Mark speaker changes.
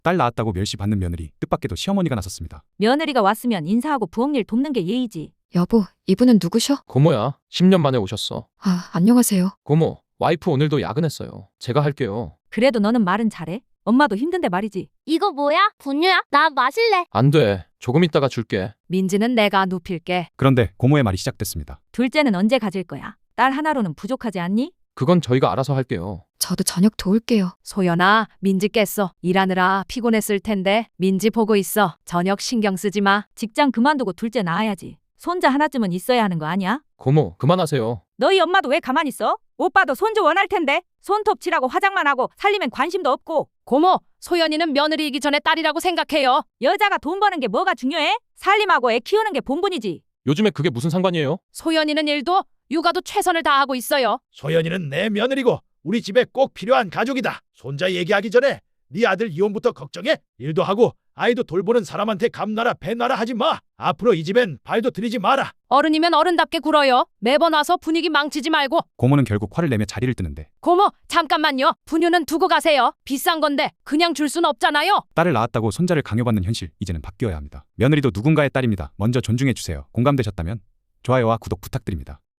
Speaker 1: 딸 낳았다고 멸시받는 며느리, 뜻밖에도 시어머니가 나섰습니다.
Speaker 2: 며느리가 왔으면 인사하고 부엌일 돕는 게 예의지.
Speaker 3: 여보, 이분은 누구셔?
Speaker 4: 고모야, 10년 만에 오셨어.
Speaker 3: 아, 안녕하세요.
Speaker 4: 고모, 와이프 오늘도 야근했어요. 제가 할게요.
Speaker 2: 그래도 너는 말은 잘해. 엄마도 힘든데 말이지.
Speaker 5: 이거 뭐야? 분유야? 나 마실래.
Speaker 4: 안 돼. 조금 있다가 줄게.
Speaker 6: 민지는 내가 눕힐게.
Speaker 1: 그런데 고모의 말이 시작됐습니다.
Speaker 2: 둘째는 언제 가질 거야? 딸 하나로는 부족하지 않니?
Speaker 4: 그건 저희가 알아서 할게요.
Speaker 3: 저도 저녁 도울게요.
Speaker 6: 소연아, 민지 깼어. 일하느라 피곤했을 텐데 민지 보고 있어. 저녁 신경 쓰지 마.
Speaker 2: 직장 그만두고 둘째 낳아야지. 손자 하나쯤은 있어야 하는 거 아니야?
Speaker 4: 고모, 그만하세요.
Speaker 2: 너희 엄마도 왜 가만히 있어? 오빠도 손주 원할 텐데. 손톱 칠하고 화장만 하고 살림엔 관심도 없고.
Speaker 6: 고모, 소연이는 며느리이기 전에 딸이라고 생각해요.
Speaker 2: 여자가 돈 버는 게 뭐가 중요해? 살림하고 애 키우는 게 본분이지.
Speaker 4: 요즘에 그게 무슨 상관이에요?
Speaker 6: 소연이는 일도 육아도 최선을 다하고 있어요.
Speaker 7: 소연이는 내 며느리고 우리 집에 꼭 필요한 가족이다. 손자 얘기하기 전에 네 아들 이혼부터 걱정해. 일도 하고 아이도 돌보는 사람한테 감나라 배나라 하지 마. 앞으로 이 집엔 발도 들이지 마라.
Speaker 6: 어른이면 어른답게 굴어요. 매번 와서 분위기 망치지 말고.
Speaker 1: 고모는 결국 화를 내며 자리를 뜨는데
Speaker 6: 고모, 잠깐만요. 분유는 두고 가세요. 비싼 건데 그냥 줄 순 없잖아요.
Speaker 1: 딸을 낳았다고 손자를 강요받는 현실, 이제는 바뀌어야 합니다. 며느리도 누군가의 딸입니다. 먼저 존중해 주세요. 공감되셨다면 좋아요와 구독 부탁드립니다.